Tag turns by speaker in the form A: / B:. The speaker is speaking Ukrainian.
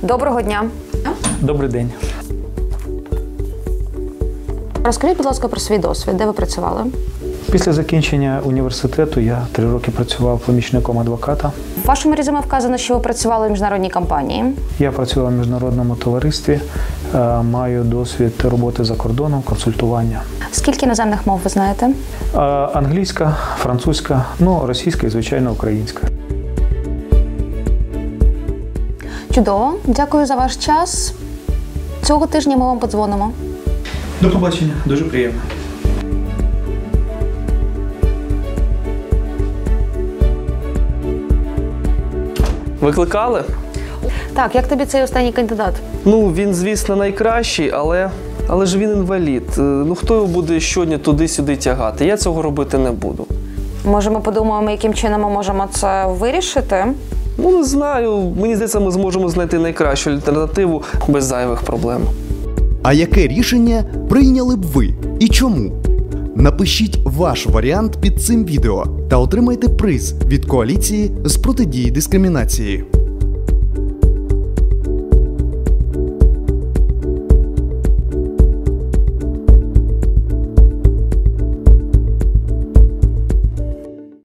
A: Доброго дня.
B: Добрий день.
A: Розкажіть, будь ласка, про свій досвід. Де ви працювали?
B: Після закінчення університету я 3 роки працював помічником адвоката.
A: В вашому резюме вказано, що ви працювали в міжнародній компанії.
B: Я працював в міжнародному товаристві, маю досвід роботи за кордоном, консультування.
A: Скільки іноземних мов ви знаєте?
B: Англійська, французька, російська і, звичайно, українська.
A: Чудово. Дякую за ваш час. Цього тижня ми вам подзвонимо.
B: До побачення. Дуже приємно.
C: Викликали?
A: Так, як тобі цей останній кандидат?
C: Він, звісно, найкращий, але ж він інвалід. Хто його буде щодня туди-сюди тягати? Я цього робити не буду.
A: Може, ми подумаємо, яким чином ми можемо це вирішити?
C: Не знаю. Мені здається, ми зможемо знайти найкращу альтернативу без зайвих проблем.
D: А яке рішення прийняли б ви і чому? Напишіть ваш варіант під цим відео та отримайте приз від коаліції з протидії дискримінації.